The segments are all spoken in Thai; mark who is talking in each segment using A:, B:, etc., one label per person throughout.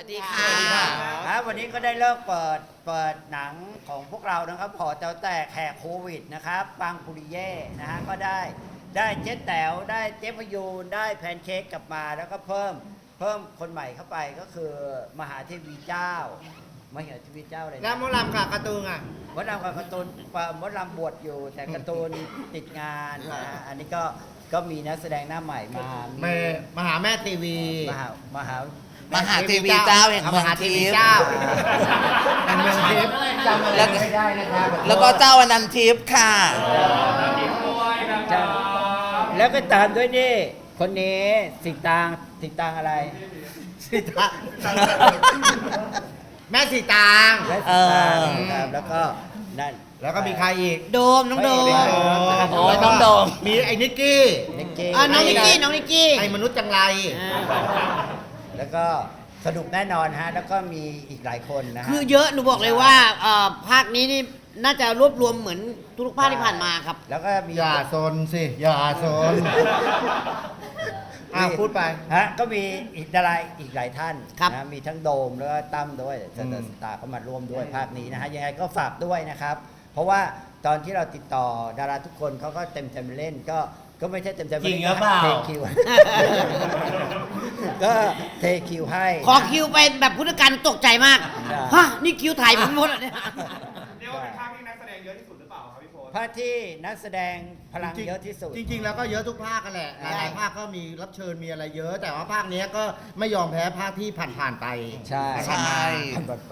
A: วัสดีค่ะครับวันนี้ก็ได้เลิกเปิดหนังของพวกเรานะครับหอแต๋วแตกแหกโควิดนะครับปังปุริเย่นะฮะก็ได้เจ๊แต๋วได้เจ๊พยูนได้แพนเค้กกลับมาแล้วก็เพิ่มคนใหม่เข้าไปก็คือมหาเทวีเจ้ามหาเทวีเจ้าอะไรนะ
B: แล้วมดลำกับการ์ตูนอ่ะ
A: มดลำกับการ์ตูนมดลำบวชอยู่แต่การ์ตูนติดงานนะฮะอันนี้ก็มีนักแสดงหน้าใหม่มา
B: มหาแม่ทีวี
A: มหา
C: มหาเทวีเจ้าแห่งเมืองทิพย์
B: แห่งเมืองทิพย์จำอะไรไม่ได้นะครับ
C: แล้วก็เจ้าอนันทิพย์ค่ะ
A: แล้วก็ตามด้วยนี่คนนี้สิงตางอะไร
B: สีตางแม่สีตาง
A: และ
C: เอ
A: สิงตาง
C: อ
A: นะครับแล้วก็นั่น
B: แล้วก็มีใครอีก
D: โดมน้องโดม
C: โอ้ยน้องโดม
B: มีไอ้นิกกี้
A: นิกกี้
D: น้องนิกกี้
B: ไอ้มนุษย์จังไร
A: แล้วก็สนุกแน่นอนฮะแล้วก็มีอีกหลายคนนะฮะ
D: คือเยอะหนูบอกเลยว่าภาคนี้นี่น่าจะรวบรวมเหมือนทุกภาคที่ผ่านมาครับ
A: แล้วก็มี
B: อย่าซนสิอย่าซนพูดไป
A: ฮะก็มีอีกดาราอีกหลายท่าน
D: ครับ
A: นะมีทั้งโดมแล้วก็ตั้มด้วยสตาร์เขามาร่วมด้วยภาคนี้นะฮะยังไงก็ฝากด้วยนะครับ เพราะว่าตอนที่เราติดต่อดาราทุกคนเขาก็เต็มใจเล่นก็ไม่ใช่เต็มใจ
C: จริงหรือเปล่า
A: เทคิว ก็เทคิวให้
D: ขอคิวไปแบบพุทธการตกใจมาก
A: ใช่
D: ฮะนี่คิวถ่ายผมหมดอ่ะเนี่ย
E: เรียกว่าเป็นภาคที่นักแสดงเยอะที่สุดหรือเปล่าครับพี่โพส
A: ภาคที่นักแสดงพลังเยอะที่สุด
B: จริง ๆ แล้วก็เยอะทุกภาคกันแหละหลายๆภาคก็มีรับเชิญมีอะไรเยอะ แต่ว่าภาคนี้ก็ไม่ยอมแพ้ภาคที่ผ่านๆไป
A: ใช่
C: ใช่
A: หมดไป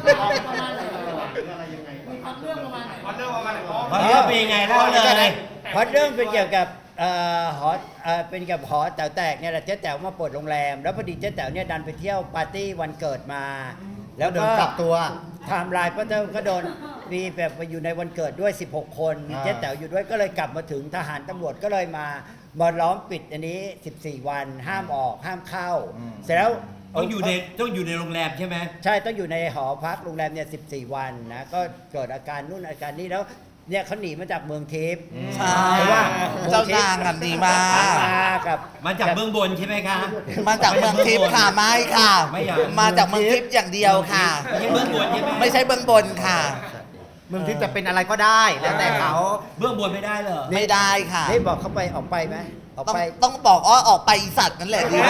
E: พอเรื่องประมาณไหนอ๋อ
C: เพราะเรื่องเป็นยังไงเล่าเลย
A: เพราะเรื่องเป็นเกี่ยวกับหอเป็นเกี่ยวกับหอแต๋วแตกเนี่ยแหละเจ๊แต๋วมาเปิดโรงแรม แล้วพอดีเจ๊แต๋วเนี่ยดันไปเที่ยวปาร์ตี้วันเกิดมา แล้วก็
B: โดนกลับตัว
A: ไทม์ไลน์เพราะเจ้าก็โดนมีแบบไปอยู่ในวันเกิดด้วย 16 คนมีเจ๊แต๋วอยู่ด้วยก็เลยกลับมาถึงทหารตำรวจก็เลยมาล้อมปิดอันนี้ 14 วันห้ามออกห้ามเข้า เสร็จแล้ว
F: ต้องอยู่ในโรงแรมใช่ไหม
A: ใช่ต้องอยู่ในหอพักโรงแรมเนี่ย14 วันนะก็เกิดอาการนู่นอาการนี้แล้วเนี่ยเขาหนีมาจากเมืองทิพย์
C: ใช่
A: เพราะว่า
C: เจ้านางอ่ะดีมาก
A: กับ
F: มาจากเบื้องบนใช่ไหมคะ
C: มาจากเมืองทิพย์ค่ะไม่ค่ะ
F: ไม่อยาก
C: มาจากเมืองทิพย์อย่างเดียวค่ะ
F: ไม่ใช่เบื้องบนใช่ไหม
C: ไม่ใช่เบื้องบนค่ะ
B: เมืองทิพย์จะเป็นอะไรก็ได้ แล้วแต่เขา
F: เบื้องบนไม่ได้เหรอ
C: ไม่ได้ค่ะ
A: นี่บอกเขาไปออกไปไหมออก
C: ต้อง
A: ไป
C: ต้องบอกอ้อออกไปอีสัตว์นั่นแหละดี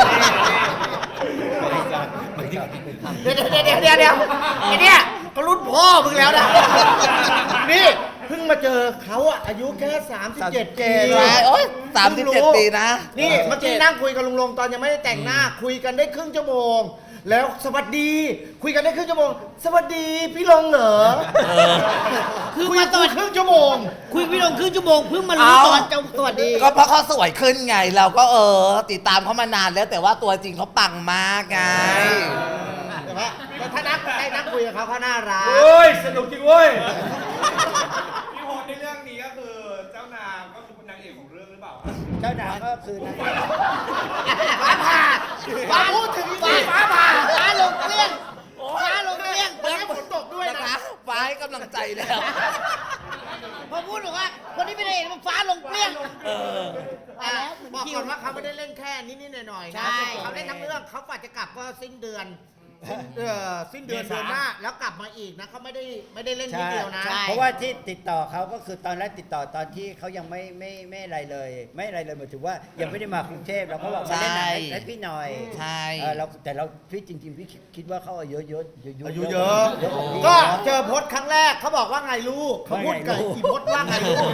B: เดี๋ยวไอ้เนี่ยก็รุ่นพ่อมึงแล้วนะ นี่เพิ่งมาเจอเขาอะอายุแค่ 37 ปี
C: ใช่โอ๊ย37 ปีนะ
B: นี่เมื่อกี้นั่งคุยกับลุงลงตอนยังไม่ได้แต่งหน้า คุยกันได้ครึ่งชั่วโมง แล้วสวัสดี คุยกันได้ครึ่งชั่วโมง สวัสดีพี่ลงเหรอ
D: คือ
B: คุย
D: มา
B: กัน
D: ตอน
B: ครึ่งชั่วโมง
D: คุยพี่ลงครึ่งชั่วโมงเพิ่งมารู้
C: เอ้า
D: ตอนเจ้าสวัสดี
C: ก็เพราะเขาสวยขึ้นไง เราก็ติดตามเขามานานแล้วแต่ว่าตัวจริงเขาปังมากไง
B: แต่ว่าถ้านักคุยกับเขาน่ารัก
E: เฮ้ย สนุกจริงเว้ย พี่โพสในเรื่องนี้ก็คือเจ้านางก็คือนางเอกของเรื่องหรือเปล่าครับ
A: เจ้านางก็คือนัก
D: ฟ้าผ่าฟ้าพูดถึงฟ้าผ่าฟ้าลงเกลี้ยงฟ้าลงเกลี้ยง
B: วันนี้ฝนตกด้วย
C: นะ
B: นะคะ
C: ฟ้าให้กำลังใจแล้ว
D: พอพูดบอกว่าคนที่ไม่ได้เห็นมันฟ้าลงเกลี้ยงไปแล้วเหมือน
B: บอก
D: คิว
B: ก่อนว่าเขาไม่ได้เล่นแค่นิดๆหน่อยๆ
D: ใช่
B: นะเขาเล่นทั้งเรื่องเขาฝ่าจะกลับก็สิ้นเดือนสิ้นเดือนเดือนหน้าแล้วกลับมาอีกนะเขาไม่ได้เล่นนิดเดียวนะ
A: เพราะว่าที่ติดต่อเขาก็คือตอนแรกติดต่อตอนที่เขายังไม่อะไรเลย ไม่อะไรเลยหมายถึงว่ายังไม่ได้มากรุงเทพเราก็บอกมาเล่นหนังให้พี่หน่อย
C: ใช่
A: แต่เราพี่จริงๆพี่คิดว่าเขาอายุเยอะ
B: อายุเยอะ
A: กว่าพี่
B: ก็เจอพจน์ครั้งแรกเขาบอกว่าไงลูกเขาพูดกับ
A: ว่าไงลูก
B: อีพจน์ว่าไงลูก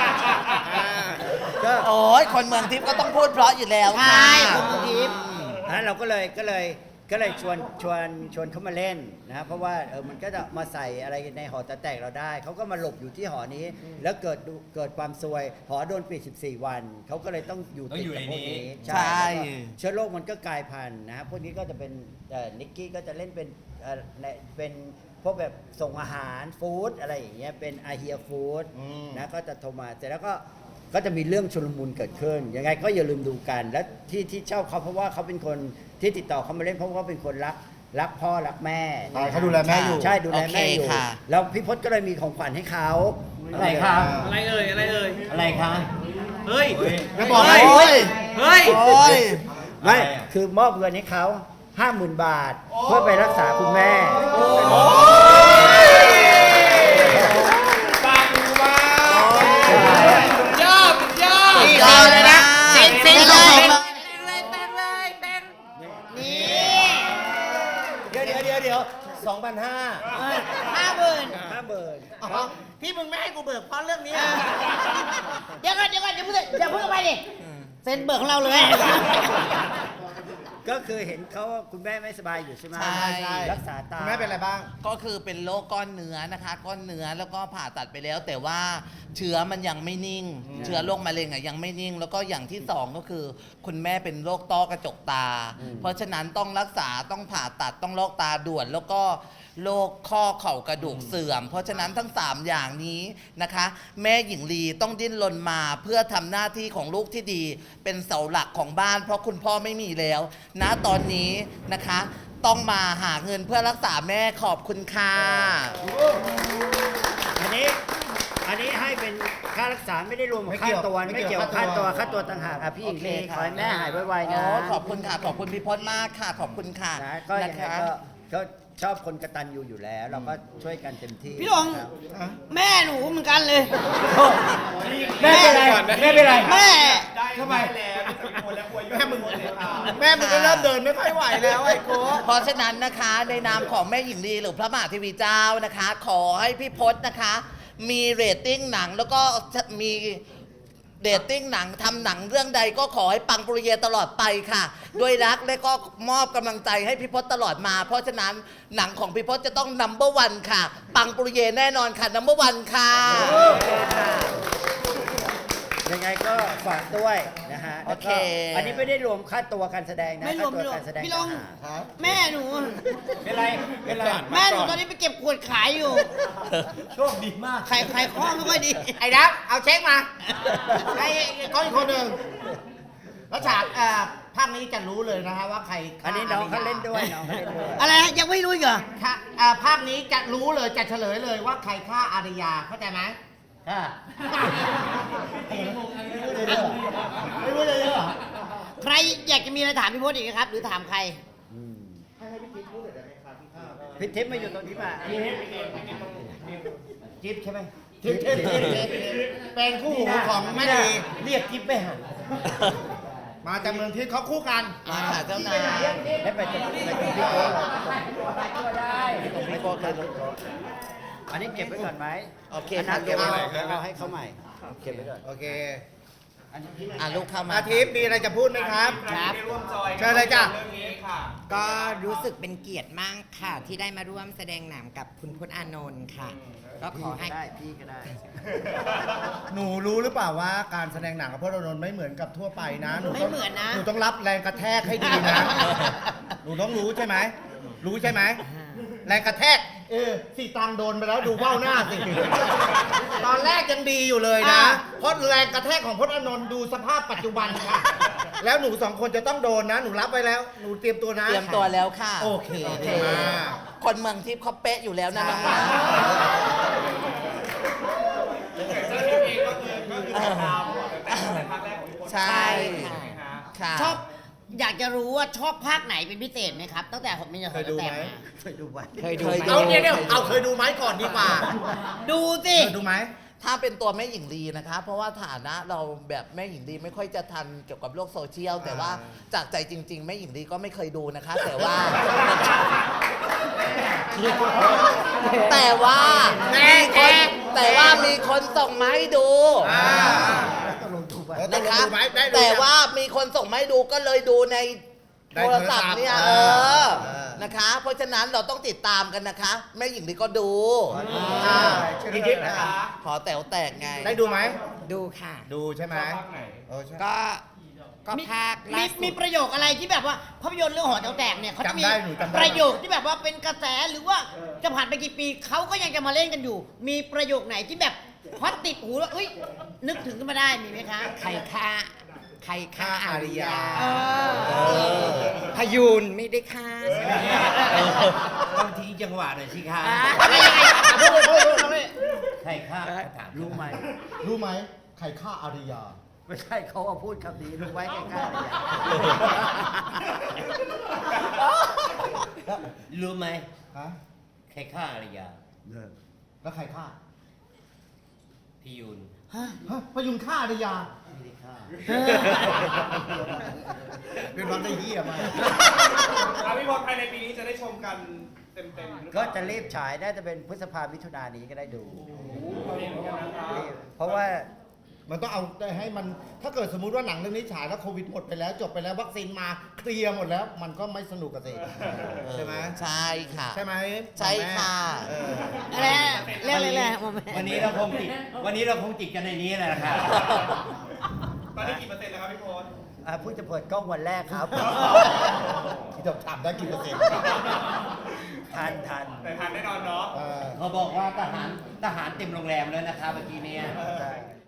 A: ก็
C: โอ้ยคนเมืองทิพย์ก็ต้องพูดเพราะอยู่แล้ว
D: ใช่
C: ค่ะ
D: คุณทิพย์
A: เราก็เลยชวนเขามาเล่นนะเพราะว่ามันก็จะมาใส่อะไรในหอแต๋วแตกเราได้เขาก็มาหลบอยู่ที่หอนี้ แล้วเกิดความซวยหอโดนปิด14 วันเขาก็เลยต้องอยู่ติดกับพวกนี้
C: ใช่
A: แล้วก็เชื้อโรคมันก็กลายพันธุ์นะพวกนี้ก็จะเป็นนิกกี้ก็จะเล่นเป็นพวกแบบส่งอาหารฟู้ดอะไรอย่างเงี้ยเป็นอาเฮียฟู้ดนะก็จะโทรมาเสร็จแล้วก็จะมีเรื่องชุลมุนเกิดขึ้นยังไงก็อย่าลืมดูกันและที่ชอบเขาเพราะว่าเขาเป็นคนที่ติดต่อเขามาเล่นเพราะว่าเป็นคนรักพ่อรักแม่
B: เขาดูแลแม่อยู่
A: ใช่ดูแลแม่อยู่
C: โอเคค่ะ
A: แล้วพี่พจน์ก็เลยมีของขวัญให้เขา
F: อะไรคะ
E: อะไรเอ่ย
F: อะไรคะ
E: เฮ้ย
B: แล้วบอก
C: โอ้ย
E: เฮ้ย
C: โอ้ย
A: ไม่คือมอบเงินให้เขา 50,000 บาท เพื่อไปรักษาคุณแม่
E: ปังมาก
D: ยอดยอด
C: ยอดเลยนะ
D: เซ็นเซ็นเลย นี่
B: เดี๋ยว2,500
D: 50,000
A: 50,000
B: อ๋อที่มึงไม่ให้กูเบิกเพราะเรื่องนี้
D: เดี๋ยวก่อนอย่าเพิ่งไปดิเซ็นเบิกของเราเลย
A: ก็คือเห็นเขาว่าคุณแม่ไม่สบายอยู่ใช่ไหม
C: ใช่
A: รักษาตา
B: คุณแม่เป็นอะไรบ้าง
C: ก็คือเป็นโรคก้อนเนื้อนะคะ ก้อนเนื้อแล้วก็ผ่าตัดไปแล้ว แต่ว่าเชื้อมันยังไม่นิ่ง เชื้อโรคมะเร็งอ่ะยังไม่นิ่ง แล้วก็อย่างที่สองก็คือ คุณแม่เป็นโรคต้อกระจกตา เพราะฉะนั้นต้องรักษาต้องผ่าตัดต้องลอกตาด่วน แล้วก็โรคข้อเข่ากระดูกเสื่อม เพราะฉะนั้นทั้ง 3 อย่างนี้นะคะ แม่หญิงลีต้องดิ้นรนมาเพื่อทำหน้าที่ของลูกที่ดี เป็นเสาหลักของบ้าน เพราะคุณพ่อไม่มีแล้วณตอนนี้นะคะ ต้องมาหาเงินเพื่อรักษาแม่ขอบคุณค่ะ
A: อันนี้ให้เป็นค่ารักษาไม่ได้รวมกับค่าตัว
B: ไม่
A: ไม่
B: เกี่
A: เกี่
B: ย
A: ยว ว
B: กั
A: กั
B: บบ
A: ค่าตัวต่างหากอ่ะพี่หญิงลี
C: โอเค
A: ขอให้แม่หายไวๆ
C: อ๋
A: นะ
C: อขอบคุณค่ะ ขอบคุณพี่พจน์มากค่ะ ขอบคุณค่ะ
A: นะก็ยังไง
C: นะคะ
A: ก็ชอบคนกตัญญูอยู่แล้ว เราก็ช่วยกันเต็มที่
D: พี่ลง
A: ครับ
D: แม่หนูเหมือนกันเลย
F: แม่เป็นไรแม่เป็นไร
D: แม่
E: ได้
F: ทำไม
E: ได้แล้วจะเป็นคนแล้วอวย
B: แม่มึง
E: เลยค่ะ
B: แม่มึงก็เริ่มเดินไม่ค่อยไหวแล้วไอ้โก้
C: เพราะฉะนั้นนะคะในนามของแม่หญิงลีหรือพระมหาเทวีเจ้านะคะ ขอให้พี่พจน์นะคะ มีเรตติ้งหนังแล้วก็มีเรตติ้งหนังทำหนังเรื่องใดก็ขอให้ปังปรุเยตลอดไปค่ะ ด้วยรักและก็มอบกำลังใจให้พี่พจน์ตลอดมา เพราะฉะนั้นหนังของพี่พจน์จะต้องnumber 1ค่ะ ปังปรุเยแน่นอนค่ะnumber 1ค่ะ
A: ยังไงก็ฝากด้วยนะฮะ
C: โอเค
A: แล้วก็อันนี้ไม่ได้รวมค่าตัวการแสดงนะ
D: ไม่รวม
A: ค่าตัวการแสดง
D: พี่ลง
A: ต่างหาก
D: แม่หนู
F: เป็นไรเป็นไร
D: แม่หนูตอนนี้ไปเก็บขวดขายอยู่
F: โชคดีมาก
D: ขายข้อไม่ค่อยดี
B: ไอ้ดับเอาเช็คมาไอ้ก้อนอีกคนหนึ่งแล้วฉากภาคนี้จะรู้เลยนะฮะว่าใครฆ่า
A: อันนี้น้องเขาเล่นด้วยน้องเขาเล่นด้วย
D: อะไรฮะยังไม่รู้อีกเหรอ
B: ค่ะภาคนี้จะรู้เลยจะเฉลยเลยว่าใครฆ่าอารยาเข้าใจไหมไม่รู้เลยเหรอ
D: ใครอยากจะมีอะไรถามพี่พจน์อีกไหมครับ หรือถามใคร
A: พิทิพย์มาอยู่ตรงนี้มา
B: จิ๊บใช่ไหมจิ๊บเป็นคู่หูของแม่ดี
F: เรียกกิ๊บไปหา
B: มาจากเมืองทิพย์เขาคู่กัน
C: มาค่ะเจ้านาย
A: ได้ไปตรงพี่โก้
C: พี่โก้ค่ะ
A: อันนี้เก็บไว้ก่อนไหม
C: โอเค
A: อันนั้น
C: ค่ะ
A: เก็บไว้เราให้เขาใหม่ เก็บไว้ก่อน
B: โอเค
C: ลูกเข้ามา
B: อาทิตย์มีอะไรจะพูดไหมครับ
D: ครับ
E: ได้ร่วมจอย
B: เชิญเลยจ้ะ
E: เรื่องนี้ค่ะ
G: ก็รู้สึกเป็นเกียรติมากค่ะ ที่ได้มาร่วมแสดงหนังกับคุณพจน์อานนท์ค่ะ ก็ขอให้
A: พี่ก็ได้
B: หนูรู้หรือเปล่าว่าการแสดงหนังกับพจน์อานนท์ไม่เหมือนกับทั่วไปนะหนูต้อง
D: ไม่เหมือนนะ
B: หนูต้องรับแรงกระแทกให้ดีนะ หนูต้องรู้ใช่ไหมรู้ใช่ไหมแรงกระแทกสีตังโดนไปแล้วดูเบ้าหน้าสิตอนแรกยังดีอยู่เลยนะเพราะแรงกระแทกของพจน์อานนท์ดูสภาพปัจจุบันค่ะแล้วหนูสองคนจะต้องโดนนะ หนูรับไว้แล้วหนูเตรียมตัวนะ
C: เตรียมตัวแล้วค่ะ
B: โอเค
C: โอเค
B: ดีมาก
C: คนเมืองทิพย์เขาเป๊ะอยู่แล้วนะน้องนะ
E: เจ้าทิพย์เองก็คือตามแต่ภาคแรกของพี่พจน์
C: ใช่
E: ใช่ไหมคะ
C: ค่ะ
D: ชอบอยากจะรู้ว่าชอบภาคไหนเป็นพิเศษไหมครับ ตั้งแต่ผมมี
B: เคยดูไหม
A: เคยดูไว้
G: เคยดู
C: เคย
G: ไหม
C: ดู
B: เอาเนี่ยเอาเคยดูไหมก่อนดีกว่า
D: ดูสิ
B: เคยดูไหม
C: ถ้าเป็นตัวแม่หญิงลีนะคะ เพราะว่าฐานะเราแบบแม่หญิงลีไม่ค่อยจะทันเกี่ยวกับโลกโซเชียล แต่ว่าจากใจจริง ๆ แม่หญิงลีก็ไม่เคยดูนะคะ แต่ว่า แต่ว่ามีคนส่งมาให้ดูนะคะ แต่ว่ามีคนส่งมาให้ดูก็เลยดูในโทรศัพท์เนี่ยนะคะ เพราะฉะนั้นเราต้องติดตามกันนะคะ แม่หญิงลีก็ดู
B: พี่ทิพย์นะคะ
C: ขอแต๋วแตกไง
B: ได้ดูไหม
G: ดูค่ะ
B: ดูใช่ไหม
E: ภาคไหน
B: ใช่
G: ก็ภาค
D: มี
G: ล่าสุด
D: มีประโยคอะไรที่แบบว่าภาพยนตร์เรื่องหอแถวแตกเนี่ยเขาจะมี
B: จำได้หนูจำได้
D: ประโยคที่แบบว่าเป็นกระแสหรือว่าจะผ่านไปกี่ปีเขาก็ยังจะมาเล่นกันอยู่ มีประโยคไหนที่แบบฮอตติดหูแล้วเอ้ยนึกถึงขึ้นมาได้มีไหมคะ
G: ใครฆ่าอาริยา
D: เออ
G: พยูนไม่ได้ฆ่าใช่ไหม
F: ต้องทิ้งจังหวะหน่อยสิคะ
D: อะไรยังไงพูดเลย
F: ใครฆ่าถาม
A: รู้ไหม
B: รู้ไหมใครฆ่าอารยา
A: ไม่ใช่เขาว่าพูดคำนี้รู้ไว้ใกล้ๆเลย
F: รู้ไหม
B: ฮะ
F: ใครฆ่าอารยา
B: แล้วใครฆ่า
F: พี่ยุน
B: ฮะพยุงฆ่าอารยา
F: ไม่ได้ฆ่า
B: เป็นวันได้เยี่ยมาก
E: พี่พลภายในปีนี้จะได้ชมกันเต็มๆหรือเป
A: ก็
E: ล่า
A: จะรีบฉายน่าจะเป็นพฤษภามิถุนายนนี้ก็ได้ดู
E: เห็นกันนะครับ
A: รีบเพราะว่า
B: มันต้องเอาให้มันถ้าเกิดสมมุติว่าหนังเรื่องนี้ฉายแล้วโควิดหมดไปแล้วจบไปแล้ววัคซีนมาเคลียร์หมดแล้ว มันก็ไม่สนุกกันสิใช่ไหม
C: ใช่ค่ะ
B: ใช่ไหม
C: ใช่ค่ะ
B: เออ
D: อะไรเรื่องอะไรโมเมนต์
F: วันนี้เราคงติดกันในนี้แหละนะครับ
E: ตอนนี้กี่เปอร์เซ็นต์แล้วครับพี่พล
A: เพิ่งจะเปิดกล้องวันแรกครับ
B: ที่จะถามได้กี่เปอร์เซ็นต์
A: ทัน
E: แต่ทันแน่นอนเนาะ
B: เออ
F: เขาบอกว่าทหารเต็มโรงแรมแล้วนะครับเมื่อกี้เนี่ย
A: ใช่